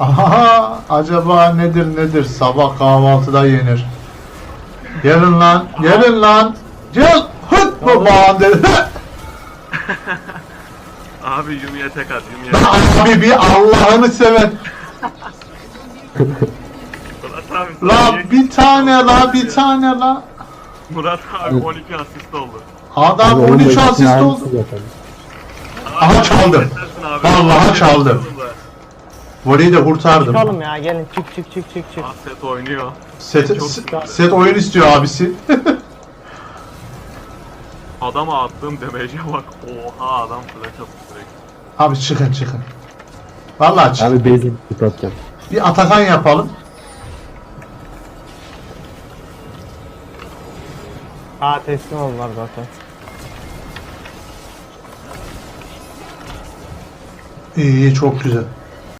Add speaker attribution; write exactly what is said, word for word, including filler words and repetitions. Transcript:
Speaker 1: Aha, acaba nedir nedir? Sabah kahvaltıda yenir. Gelin lan, gelin lan. Gel. Hıt babağın dedi.
Speaker 2: Abi Yumi'ye tek at, Yumi'ye.
Speaker 1: Abi bir Allah'ını seven.
Speaker 2: Murat abi sen
Speaker 1: La
Speaker 2: niye-
Speaker 1: bir tane la bir tane la.
Speaker 2: Murat abi on iki asist oldu.
Speaker 1: Adam
Speaker 3: Abi
Speaker 1: on üç
Speaker 3: onun
Speaker 1: asist
Speaker 3: aynısı
Speaker 1: oldu.
Speaker 3: zaten.
Speaker 1: Aha çaldım.
Speaker 2: Yetersin abi.
Speaker 1: Vallahi çaldım. Voleyi de kurtardım.
Speaker 4: Çıkalım ya gelin çık çık çık çık çık.
Speaker 2: Asset oynuyor.
Speaker 1: Set,
Speaker 2: Çok
Speaker 1: set,
Speaker 2: güzel.
Speaker 1: set oyun istiyor abisi.
Speaker 2: Adama attığım damage'e bak. Oha adam flash attı direkt.
Speaker 1: Abi çıkın çıkın. Vallahi çık.
Speaker 3: Abi basic tip atacağım.
Speaker 1: Bir Atakan yapalım.
Speaker 4: Ha teslim oldular zaten.
Speaker 1: İyi iyi çok güzel.